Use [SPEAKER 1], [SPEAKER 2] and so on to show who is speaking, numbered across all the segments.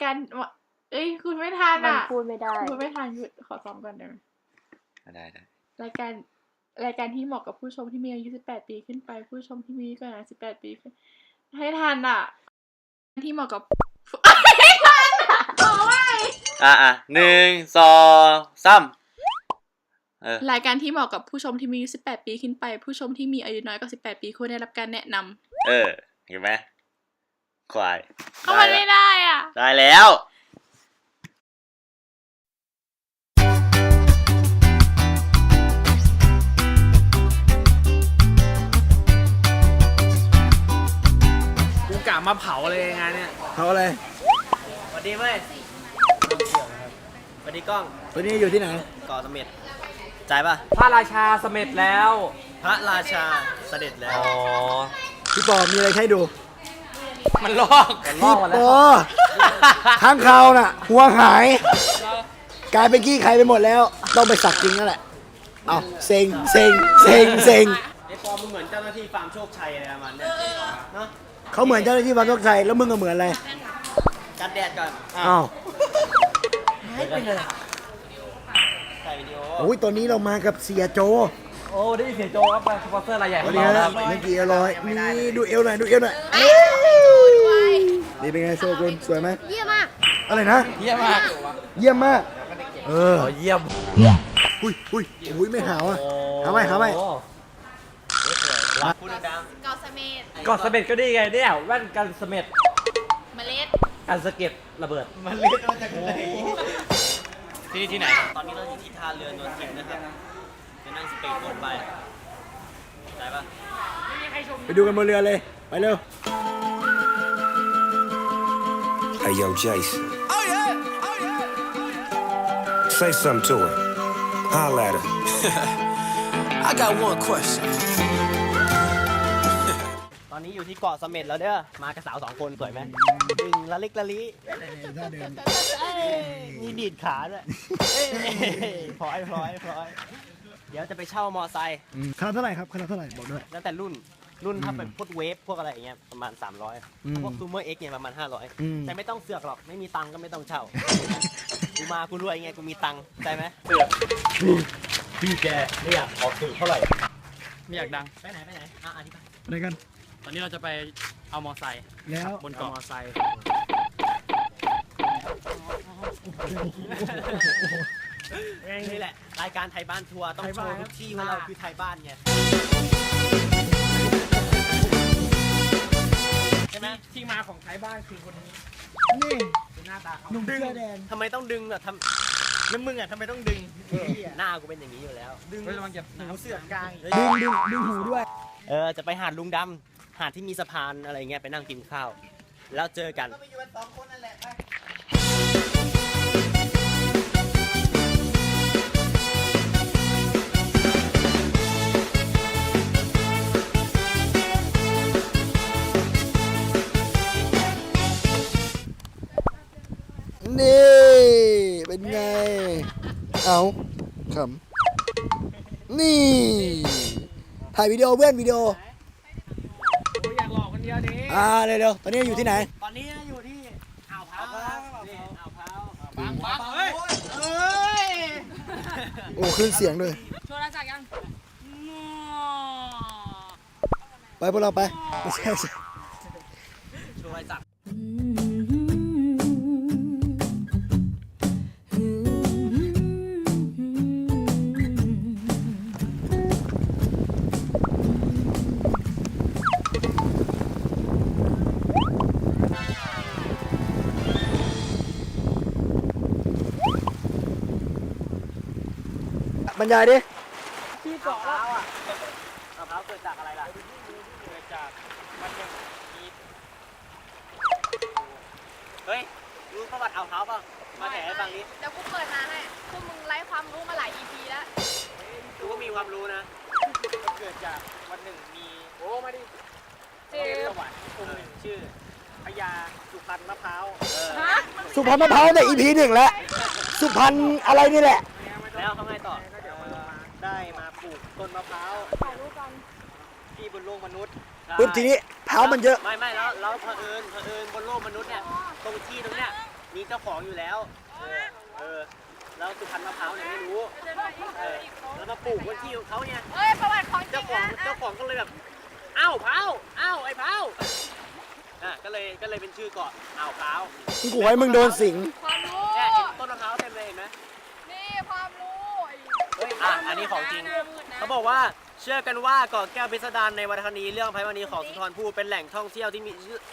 [SPEAKER 1] การเอ้ยคุณไม่ทันอ่ะ
[SPEAKER 2] มันพูดไม่ได้
[SPEAKER 1] คุณไม่ทันหยุดขอซ้อมก่อนได้ไหม
[SPEAKER 3] ได้
[SPEAKER 1] รายการที่เหมาะกับผู้ชมที่มีอายุ18 ปีขึ้นไปผู้ชมที่มีอายุเกิน18 ปีขึ้นให้ทันอ่ะที่เหมาะกับให้ทันอ่ะบอกว่า
[SPEAKER 3] 1 2 3
[SPEAKER 1] รายการที่เหมาะกับผู้ชมที่มีอายุ18 ปีขึ้นไปผู้ชมที่มีอายุน้อยกว่า18 ปีควรได้รับการแนะนำ
[SPEAKER 3] เห็นไหมควาย
[SPEAKER 1] ก็มันไม่ได้อ่ะ
[SPEAKER 3] ได้แล้ว
[SPEAKER 4] กูกะมาเผาเลยงานเนี่ย
[SPEAKER 5] เผาอะไร
[SPEAKER 4] สวัสดีเว้ยสวัสดีกล้อง
[SPEAKER 5] ตัวนี้อยู่ที่ไหน
[SPEAKER 4] เกาะเสม็ดจ่ายป่ะ
[SPEAKER 6] พระราชาเสม็ดแล้ว
[SPEAKER 4] พระราชาเสด็จแล้ว
[SPEAKER 6] อ๋อ
[SPEAKER 5] พี่ปอมีอะไรให้ดู
[SPEAKER 6] มันลอก
[SPEAKER 5] พี่ปอข้างเขาน่ะหัวหายกลายเป็นขี้ใครไปหมดแล้วต้องไปสักจริงนั่นแหละเอาเซ็งไ
[SPEAKER 4] อ้ปอมึงเหมือนเจ้าหน้าที่ฟาร์มโชคชัยอะไรประมาณนี้เนาะ
[SPEAKER 5] เขาเหมือนเจ้าหน้าที่ฟาร์มโชคชัยแล้วมึงก็เหมือนอะไร
[SPEAKER 4] กันแดดก่อน
[SPEAKER 5] อ้าว
[SPEAKER 4] หายไปเลยถ่ายวิดีโอ
[SPEAKER 5] โอ้ยตอนนี้เรามากับเสียโจ
[SPEAKER 6] โอ้ได้ยินเสียงโจครับสปอนเซอร์รายใหญ่
[SPEAKER 5] ของเราครับเมื่อกี้อร่อยนี่ดูเอวหน่อยนี่เป็นไงโชกุนสวยไหม
[SPEAKER 2] เยี่ยมมาก
[SPEAKER 5] อะไรนะ
[SPEAKER 6] เยี่ยมมาก
[SPEAKER 5] เยี่ยม
[SPEAKER 6] เยี่ยม
[SPEAKER 5] อุ้ยไม่หาวอ่ะหาไว้
[SPEAKER 4] พูดดัง
[SPEAKER 1] เกาะเสม็ด
[SPEAKER 6] ก็ดีไงเนี่ยแว่นกันเสม็ด
[SPEAKER 1] เมล็ด
[SPEAKER 6] กันสะเก็ดระเบิด
[SPEAKER 4] มันเล็ดมาจากไหนที่ไหนตอนนี้เราอยู่ที่ท่าเรือนนทิมนะครับจะนั่งสปีดโบ๊ทไปได้ปะ
[SPEAKER 5] ไปดูกันบนเรือเลยไปเร็ว
[SPEAKER 7] Hey yo Jason Say something to her Holla at her I got one question
[SPEAKER 4] ตอนนี้อยู่ที่เกาะเสม็ดแล้วเด้อมากับสาว2 คนสวยไหมดึงละลิกละลิมีดีดขาด้วยพลอยเดี๋ยวจะไปเช่ามอไซค์
[SPEAKER 5] คณะเท่าไหร่ครับคณะเท่าไหร่บอกด้วย
[SPEAKER 4] แล้วแต่รุ่นถ้าเป็นพวกเวฟพวกอะไรอย่างเงี้ยประมาณ300พวกซูเมอร์เอ็กเนี่ยประมาณ500แต่ไม่ต้องเสือกหรอกไม่มีตังก็ไม่ต้องเช่ากูมากูรวยไงกูมีตังใช่ไหมเสือก
[SPEAKER 6] พี่แกไม่อยากออกสื่อเท่าไหร่
[SPEAKER 4] ไม่อยากดังไปไหนอธิบาย
[SPEAKER 5] อะไรกัน
[SPEAKER 4] ตอนนี้เราจะไปเอามอไซค์
[SPEAKER 5] แล้ว
[SPEAKER 4] บนเกาะมอไซค์นี่แหละรายการไทยบ้านทัวร์ต้องโชว์ทุกที่ว่าเราคือไทยบ้านไงใช่ไหมที่มาของไทยบ้านคือคนนี้
[SPEAKER 5] นี่
[SPEAKER 4] หน้าตาเขา
[SPEAKER 5] หนุ่มเสื้อแดง
[SPEAKER 4] ทำไมต้องดึงอ่ะแล้วมึงอ่ะทำไมต้องดึงหน้ากูเป็นอย่างนี้อยู่แล้วดึงระวังเก็บหูเสือกกลาง
[SPEAKER 5] ดึงหูด้วย
[SPEAKER 4] จะไปหาดลุงดำหาดที่มีสะพานอะไรเงี้ยไปนั่งกินข้าวแล้วเจอกัน
[SPEAKER 5] นี่เป็นไงเอาขำนี่ถ่ายวิดีโอเพื่อนวิดีโอ
[SPEAKER 4] อยากหลอกคนเดียวดิ
[SPEAKER 5] เร็วตอนนี้อยู่ที่ไหน
[SPEAKER 4] ตอนนี้อยู่ที่อ่าวพร้าวอ่าวพร้าวบังเฮ้ย
[SPEAKER 5] โอ้ขึ้นเสียงด้วย
[SPEAKER 1] โชว์รายจากยัง
[SPEAKER 5] ไปพวกเราไปไม่ใช่
[SPEAKER 4] โชว์รายจาก
[SPEAKER 5] บรรยายดิ
[SPEAKER 4] ที่เกาะมะพร้าวมะพร้าวเกิดจากอะไรล่ะเกิดจากมันยังมีเฮ้ยรู้ประวัติอ่าวพร้าวป่ะมาแถให้ฟังนี้
[SPEAKER 1] เดี๋ยวกูเปิดมาให้พวกมึงไร้ความรู้มาหลาย EP แล้ว
[SPEAKER 4] กูก็มีความรู้นะเกิดจากวันหนึ่งมีมาดิเทพสวรรค์องค์หนึ่งชื่อพญาสุพรรณมะพร้าว
[SPEAKER 5] สุพรรณมะพร้าวใน EP 1แล้วสุพรรณอะไรนี่แหละ
[SPEAKER 4] แล้วเขาไงต่อได้มาปลูกต้นมะพร้าวที่บนโลกมนุษย์
[SPEAKER 5] ปุ๊บทีนี้พร้าวมันเยอะ
[SPEAKER 4] ไม่แล้วเผอิญบนโลกมนุษย์เนี่ยตรงที่ตรงเนี้ยมีเจ้าของอยู่แล้วแล้วสุพรรณมะพร้าวเนี่ยไม่รู้แล้วมาปลูกบนที่ของเขาเนี่ย
[SPEAKER 1] เฮ้ยประวัติของจริ
[SPEAKER 4] เจ้าง ของก็เลยแบบอ้าวพร้าวอ้าวไอ้พร้าวก็เลยเป็นชื่อเกาะอ่าวพร้าว
[SPEAKER 5] มึงกูให้มึงโดนสิง
[SPEAKER 1] ความรู้
[SPEAKER 4] เนี่ยเห็นต้นมะพร้าวเต็มเลยเห็นไหม
[SPEAKER 1] นี่ความรู้
[SPEAKER 4] อันนี้ของจริงเขาบอกว่าเชื่อกันว่าเกาะแก้วพิสดารในวรรณคดีเรื่องไพวันนีของสุนทรภู่เป็นแหล่งท่องเที่ยวที่มีชื่อ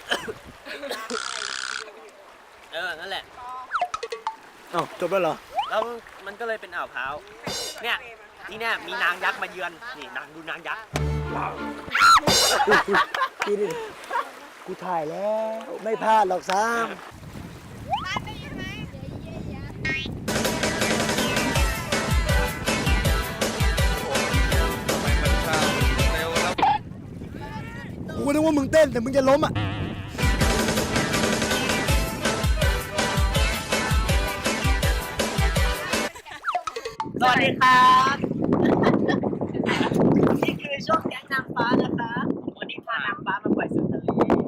[SPEAKER 4] นั่นแหละ
[SPEAKER 5] อ้าวจบแล้วเหรอ
[SPEAKER 4] แล้วมันก็เลยเป็นอ่าวพร้าวเนี่ยที่เนี่ยมีนางยักษ์มาเยือนนี่ดูนางยักษ์
[SPEAKER 5] พี่ดิกูถ่ายแล้ว ไม่พลาดหรอกซ้ำ
[SPEAKER 1] บ้านได้ยินไหม
[SPEAKER 5] กูก็นึกว่ามึงเต้นแต่มึงจะล้มอ่ะ
[SPEAKER 4] สวัสดีครับนี่คือช่วงแก๊งนางฟ้านะคะวันนี้พานางฟ้ามาปล่อยสู่ทะเล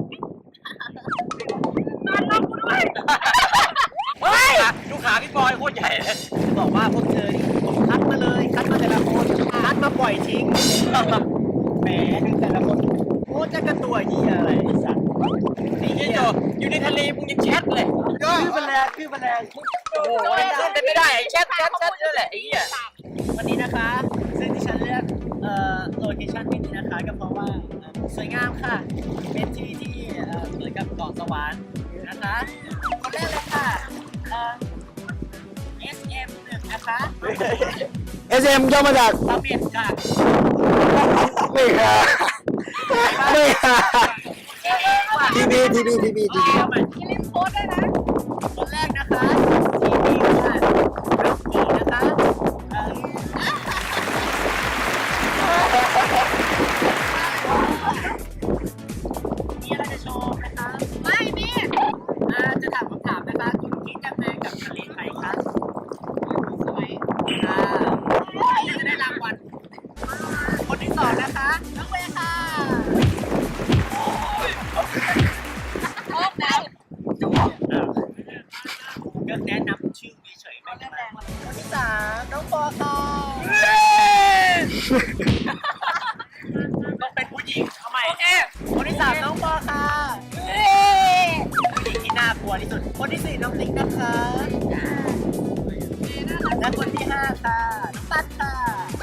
[SPEAKER 4] นอนรอบกูด้วยเฮ้ยดูขาพี่บอยโคตรใหญ่เลยจะบอกว่าพวกเธอนี่คัดมาเลยคัดมาแต่ละคนคัดมาปล่อยทิ้งแหมดูแต่ละคนโคตรจะกระตัวเหี้ยอะไรไอ้สัตว์ไอ้เหี้ยอยู่ในทะเลมึงยังแชทเลยคือแมลงโอ้โหขึ้นไม่ได้แชทนั่นแหละไอ้เหี้ย วันนี้นะคะซึ่งที่ฉันเลือกโลเคชั่นที่นี่นะคะก็เพราะว่าสวยงามค่ะ เป็นที่ที่เหมือนกับเกาะสวรรค์นะคะคนแรกเลยค่ะSM1 นะคะ
[SPEAKER 5] SM ย่อมาจาก
[SPEAKER 4] สเม็ดค่ะ
[SPEAKER 5] ไม่หาไม่หาทีบี
[SPEAKER 4] เอาใหม่
[SPEAKER 1] อย่าลืมโพสต์ด้วยนะ
[SPEAKER 4] คนแรกนะคะทีนี้ค่ะรักผีนะคะมีอะไรจะโชว์ไหมคะ
[SPEAKER 1] ไม่มี
[SPEAKER 4] จะถามคำถามนะคะคุณคิดยังไงกับทะเลไทยคะ
[SPEAKER 1] สวย
[SPEAKER 4] จะได้รางวัลคนที่สองนะคะน้องเวย์ค่ะ
[SPEAKER 1] โอ้แม่
[SPEAKER 4] ก็แนะนำชื่อเฉยๆไม่ได้คนที่สามน้องปอค่ะต้องเป็นผู้หญิงทำไมคนที่สามน้องปอค่ะผู้หญิงที่น่ากลัวที่สุดคนที่สี่น้องติ๊กนะคะและคนที่ห้าค่ะน้องตั๊ดค่ะ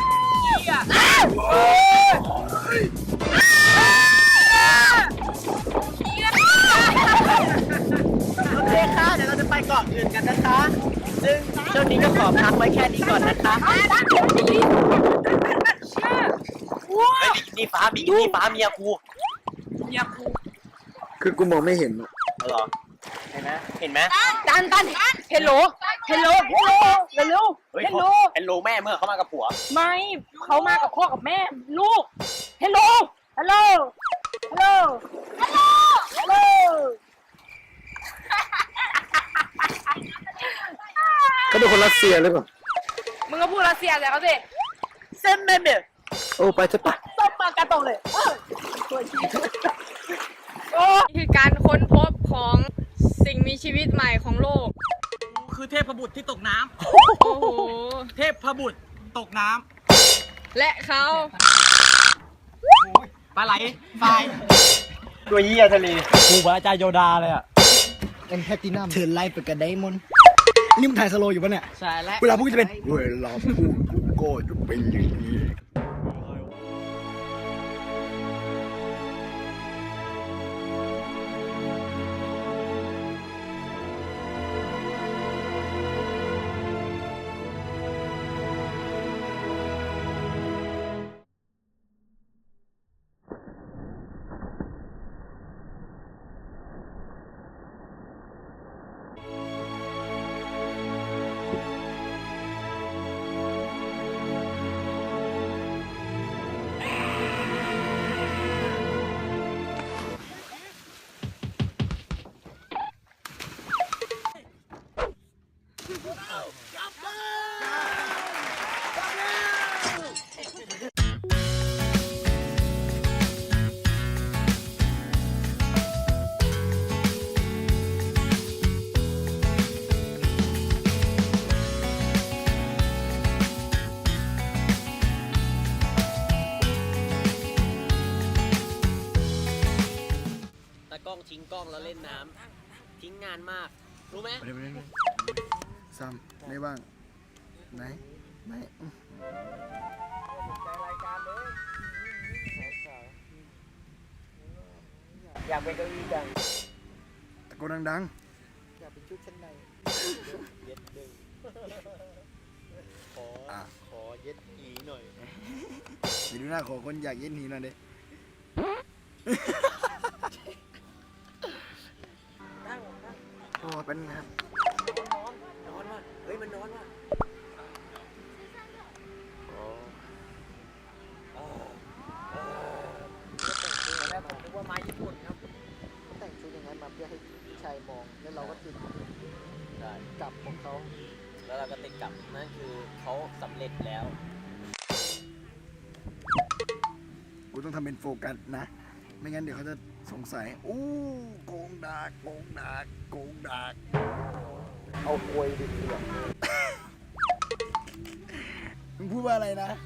[SPEAKER 4] โอเคค่ะเดี๋ยวเราจะไปเกาะอื่นกันนะคะ ซึ่งช่วงนี้ก็ขอพักไว้แค่นี้ก่อนนะคะนี่ฟ้าเมียกู
[SPEAKER 5] คือกูมองไม่เห็นอะ
[SPEAKER 4] เหรอเห็นไหม
[SPEAKER 2] ตันเฮลโหลเร็ว
[SPEAKER 4] เฮลโลแม่เมื่อเขามากับผัว
[SPEAKER 2] ไม่เขามากับพ่อกับแม่ลูกเฮลโหล
[SPEAKER 5] เขาเป็นคนรัสเซียหรือเปล่า
[SPEAKER 2] มึงก็พูดรัสเซียแต่เขาสิ
[SPEAKER 4] เส้นเบ
[SPEAKER 5] โอ้ไปจะปะ
[SPEAKER 2] ต้มมากระตงเลยคือการค้นพบของสิ่งมีชีวิตใหม่ของโลก
[SPEAKER 4] คือเทพบุตรที่ตกน้
[SPEAKER 2] โอ้โห
[SPEAKER 4] ำเทพบุตรตกน้
[SPEAKER 2] และเขา
[SPEAKER 4] ำปลาไหลทรายตัวเยี่ยทะเลกูพระอาจารย์โยดาเลยอ่ะ
[SPEAKER 5] เอ็นแพตตินัมเทิร์นไลฟ์ไปกับไดมอนด์นี่มึงถ่ายสโลว์อยู่ปะเนี่ย
[SPEAKER 4] ใช่แล้ว
[SPEAKER 5] เวลาพูดจะเป็นเวลาพูดกูก็จะเป็นอย่างนี้
[SPEAKER 4] ทิ้งกล้องแล้วเล่นน้ำทิ้งงานมาก รู้ไหม
[SPEAKER 5] ไปเลยซ้ำไม่บ้างไหนไม่
[SPEAKER 4] รายการเลย อยากเป็นเก้าอี้จัง
[SPEAKER 5] ตะโกนดัง
[SPEAKER 4] อยากเป็นชุดชั้นในเย็ดดึงขอเย็ดอีหน่อย
[SPEAKER 5] ๆไปดูหน้าขอคนอยากเย็นหนีหน่อยดิ
[SPEAKER 4] นั่ง
[SPEAKER 5] โอ้เป็นครับ
[SPEAKER 4] นอนว่ะเฮ้ยมันนอนว่ะแรกผมนึกว่าไม้ญี่ปุ่นครับ
[SPEAKER 8] แต่งชุดอย่างนั้นมาเพื่อให้พี่ชายมอง แล้วเราก็ติด
[SPEAKER 4] ได้
[SPEAKER 8] กับของเขา
[SPEAKER 4] แล้วเราก็ติดกลับนั่นคือเขาสำเร็จแล้ว
[SPEAKER 5] กูต้องทำเป็นโฟกัสนะ ไม่งั้นเดี๋ยวเขาจะสงสัยอู้โกงดากโกงดากโกงดาก
[SPEAKER 8] เอาควยดิเสียง
[SPEAKER 5] มึงพูดว่าอะไรนะ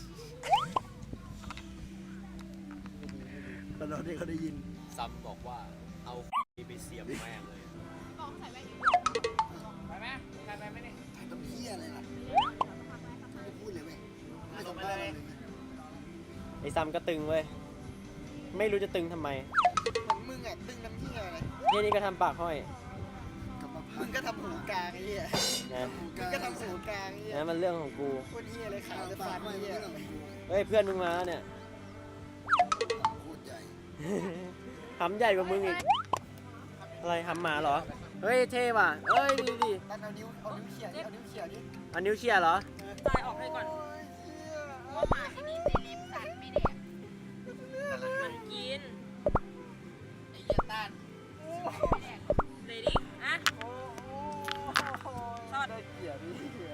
[SPEAKER 5] ตอนที่เขาได้ยิน
[SPEAKER 4] ซัมบอกว่าเอาไปเสียบแม่งเลย
[SPEAKER 1] บอกใส่แว่นอยู่
[SPEAKER 2] ไปไหมใครไปไหมเนี่ย
[SPEAKER 5] ต้องเพี้ยอะไรล่ะไม่พูดเลยเว้ยไม่สัมภาษณ์เลย
[SPEAKER 4] ไอ้ซัมก็ตึงเว้ย ไม่รู้จะตึงทำไม
[SPEAKER 8] เหมือนมึงอ่ะตึงน้ำเหี้ยอะไร
[SPEAKER 4] เนี่ยนี่ก็ทำปากห้อย
[SPEAKER 5] กลับมาพั
[SPEAKER 8] มึ
[SPEAKER 5] ก
[SPEAKER 8] งก็ทำหูกลางไอ้เหี้ย
[SPEAKER 4] นะ
[SPEAKER 8] มึงก็ทำหูกลางไอ้เหี้ย
[SPEAKER 4] นั่นมันเรื่องของกู
[SPEAKER 8] โคตรเหี้ยเลยขาวจะ
[SPEAKER 5] ปา
[SPEAKER 8] ฟั
[SPEAKER 5] ก
[SPEAKER 8] น
[SPEAKER 5] ไม่
[SPEAKER 8] ไอ้เหี้ย
[SPEAKER 5] เรื่องของกู
[SPEAKER 4] เฮ้ยเพื่อนมึงมาเนี่ย
[SPEAKER 5] โคตรใหญ่
[SPEAKER 4] หำใหญ่กว่ามึงอีก อะไรหำหมาเหรอ เฮ้ยเท่ว่ะเอ้ยดีดิ
[SPEAKER 8] ตันเอานิ้วเขี่ยดิเอานิ้วเขี่ยดิ
[SPEAKER 4] อันนิ้วเชียร์เหรอ
[SPEAKER 2] ตายออกให้ก่อน
[SPEAKER 1] ว่าหมาที่นี่เซเลบสัตว์ไม่เนี่ย
[SPEAKER 2] มันกิน
[SPEAKER 8] ไอ้เหี้ยต้าน
[SPEAKER 2] เลยดิอ่ะ
[SPEAKER 8] ทอดได้เขี่ยดิเขี่ย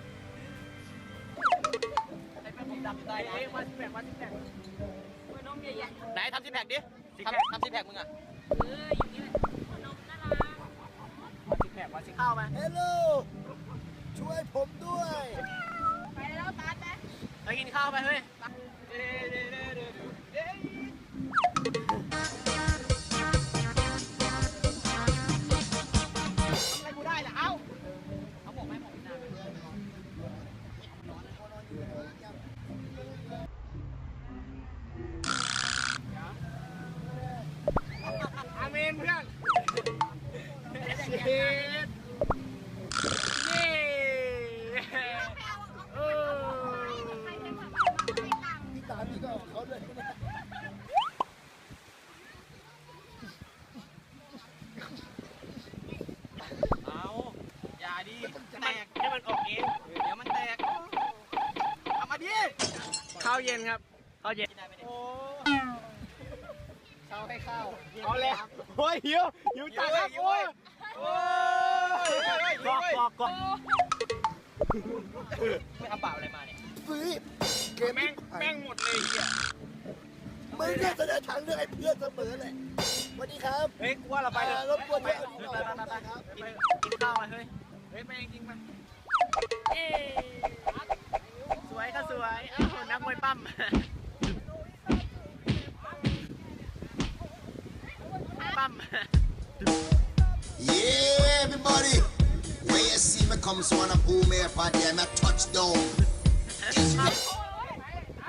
[SPEAKER 4] ไอ้เป็นผมดำได้เอ้ยมาสิแพก
[SPEAKER 2] หัวนมใหญ่
[SPEAKER 4] ไหนทำซิแพคดิทำซิแพคมึงอ่ะ
[SPEAKER 2] ๆอยู่นี่แหละหัวนมน่ารัก
[SPEAKER 4] มาซิเข้าไหม
[SPEAKER 5] เฮลโลช่วยผมด้วย
[SPEAKER 1] ไปแล้วตัดไหม
[SPEAKER 4] ไปกินข้าวไปเฮ้ย
[SPEAKER 8] อะไรกูได้ล่ะเอ้า
[SPEAKER 4] อาเมนเพื่อนนี่เออ
[SPEAKER 1] ใครเป็นแบบว่าไม่ให้ตังค์
[SPEAKER 5] พี่ตามพี่ก็เอาเขาด้วย
[SPEAKER 4] เอาอย่าดิแตกให้มันออกเองเดี๋ยวมันแตกเอามาดิข้าวเย็นครับข้าวเย็นโอ้
[SPEAKER 8] เข้าให้เข้า
[SPEAKER 4] เอาเลยโอ้ยหิวจัดครับโอ้ยกอกไม่ทำเปล่าอะไรมาเนี่ย
[SPEAKER 5] ซื้อเกม
[SPEAKER 4] แม่งหมดเลยเฮีย
[SPEAKER 5] ไม่ได้แสดงทางเรื่องไอ้เพื่อนเสมอเลยสวัสดีครับ
[SPEAKER 4] เฮ้ยกูว่าเราไปเถอะ
[SPEAKER 5] รบกวน
[SPEAKER 4] ไป
[SPEAKER 5] ด้วย
[SPEAKER 4] ครับกินข้าวมาเฮ้ยไปจริงๆมาเอ๊สวยก็สวยอ้าวนักมวยปั้มปั้ม
[SPEAKER 9] Yeah, everybody. When you see me come, so wanna boom here for them, I touchdown. Is me.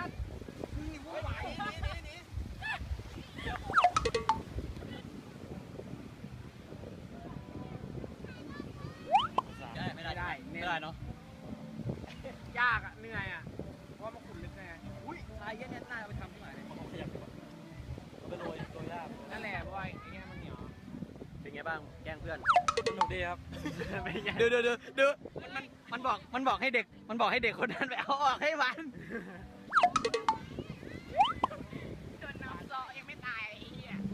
[SPEAKER 4] ไม่ได้เนาะยากอ่ะเหนื่อยอ่ะเพราะว่ามันขุ่นลึกไงอุ้ยทรายเยอะเนี่ยน่าไปทำที่ไหนเนี่ยขยับไปโรยยากนั่นแหละเพราะว่าไอ้เงี้ยมันเหนียวเป็นไงบ้างแกล้งเพื่อนสนุกดีครับดูมันบอกให้เด็กคนนั้นไปเอาออกให้มัน
[SPEAKER 1] โดนน้ำซอยังไม่ตายไอ้เหี้ย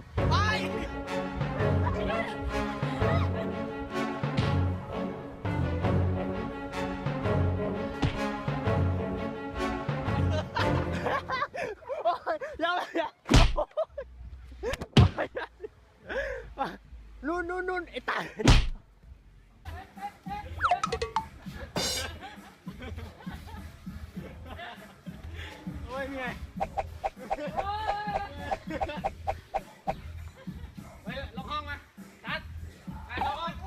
[SPEAKER 4] เยเหนื่อยเฮ้ยล็อกห้องมาตัดไปล็อกห้อง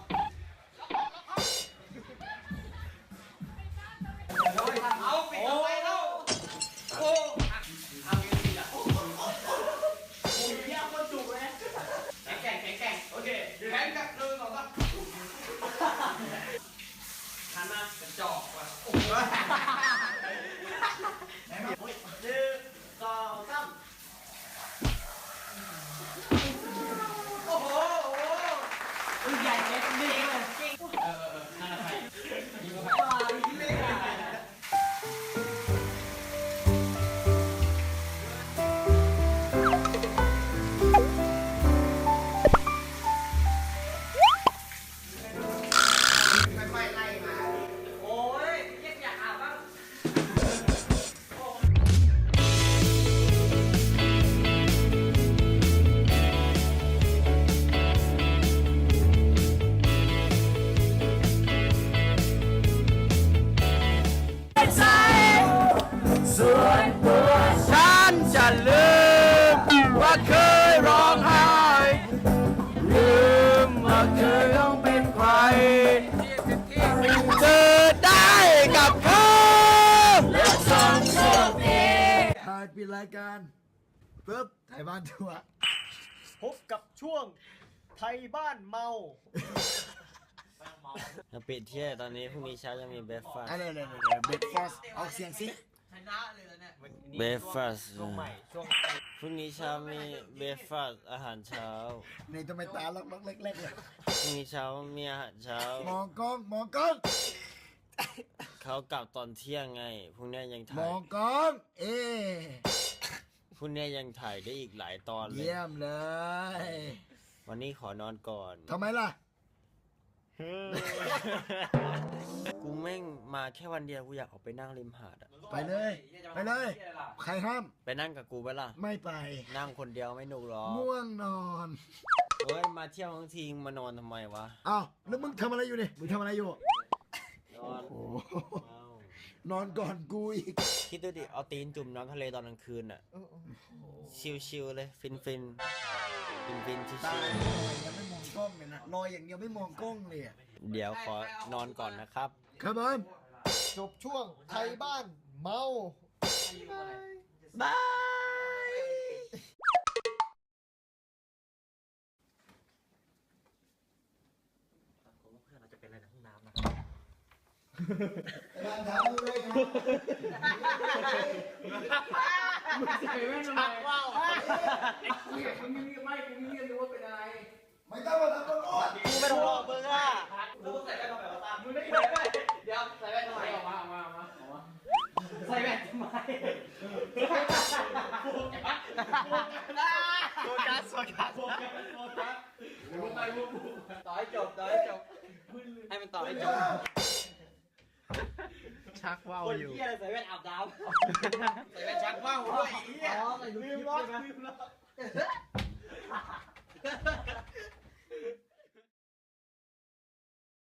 [SPEAKER 4] เอาปิดเอาไว้แล้วโอ้เอาเงี้ยดีอ่ะโอ้ยเยี่ยมคนจุกเลยแข็งโอเคแข็งกับ1 2 3หันมากระจอกว่ะ1 2 3โอ้โหใหญ่เล็กดีเลยนั่นอะไรยิงเข้าไปเล็กโอ้ยอยากอาบบ้าง
[SPEAKER 6] ฉันจะลืมว่าเคยร้องไห้ลืมว่าเคยต้องเป็นใครเจอได้กับเขาและสองโชคดี
[SPEAKER 5] ถ่ายปิดรายการปึ๊บถ่ายบ้านทัวร์
[SPEAKER 4] พบกับช่วงไทยบ้านเมา
[SPEAKER 3] จะปิดเที่ยตอนนี้พรุ่งนี้เช้าจะมีเบรคฟาสต์
[SPEAKER 5] อะไรเบรกฟาสออกเสียงสิ
[SPEAKER 3] เบรคฟาสต์
[SPEAKER 4] ช่วงใหม่ช่วง
[SPEAKER 3] พรุ่งนี้เช้ามีเบรคฟาสต์อาหารเช้า
[SPEAKER 5] ในทำไมตาล็อกๆเล็กๆเลย
[SPEAKER 3] พรุ่งนี้เช้ามีอาหารเช้า
[SPEAKER 5] มองกล้อง
[SPEAKER 3] เขากลับตอนเที่ยงไงพรุ่งนี้ยัง
[SPEAKER 5] ม
[SPEAKER 3] ถ่าย
[SPEAKER 5] องกล้อง
[SPEAKER 3] พรุ่งนี้ยังถ่ายได้อีกหลายตอนเลย
[SPEAKER 5] เยี่ยมเลย
[SPEAKER 3] วันนี้ขอนอนก่อน
[SPEAKER 5] ทำไมล่ะ
[SPEAKER 3] กูแม่งมาแค่วันเดียวกูอยากออกไปนั่งริมหาดอะ
[SPEAKER 5] ไปเลย ใครห้าม
[SPEAKER 3] ไปนั่งกับกูไปล่ะ
[SPEAKER 5] ไม่ไป
[SPEAKER 3] นั่งคนเดียวไม่หนุกหรอก
[SPEAKER 5] ง่วงนอน
[SPEAKER 3] เฮ้ยมาเที่ยวทั้งทีมานอนทำไมวะ
[SPEAKER 5] อ้าวแล้วมึงทำอะไรอยู่นี่มึงทำอะไรอยู่
[SPEAKER 3] นอน
[SPEAKER 5] โอ้โห
[SPEAKER 3] เอ้าน
[SPEAKER 5] อนก่อนกูอีก
[SPEAKER 3] คิดดูดิเอาตีนจุ่มน้ำทะเลตอนกลางคืนอะชิลๆเลยฟินฟินชิ
[SPEAKER 5] ตา
[SPEAKER 3] ล
[SPEAKER 5] ยังไม่มองกล้องเลยนะลอยอย่างเดียวไม่มองกล้องเลยอะ
[SPEAKER 3] ๆเดี๋ยวขอนอนก่อนนะครับ
[SPEAKER 5] ครับผมจบช่วงไทยบ้านเมาบาย
[SPEAKER 6] เพื่อนเราจะเป็นอะไรในห้องน้ำนะ
[SPEAKER 5] การถามมึงเลยครับ
[SPEAKER 1] ใส่แว่นทำไมว้าวกูอยากมึงไม่กูไม่รู้ว่าเป็นอะไร
[SPEAKER 5] ไม่ต้องมาทำตำรวจ
[SPEAKER 4] กูไม่ต้องรอมึงอ่ะ
[SPEAKER 1] มึงไม่ใส่แว่นเดี๋ยวใส่แว่นทำไมออกมาใส่แว่นทำไม
[SPEAKER 4] โฟกัสต่อให้จบให้มันต่อให้จบ
[SPEAKER 6] ชักว่าว
[SPEAKER 4] คน
[SPEAKER 6] อยู่
[SPEAKER 4] เหี้ยอะไรใส่แว่นอาบน้ำใส่แว่นชักว่าวด้วยไอ้เหี้ยลืมล็อก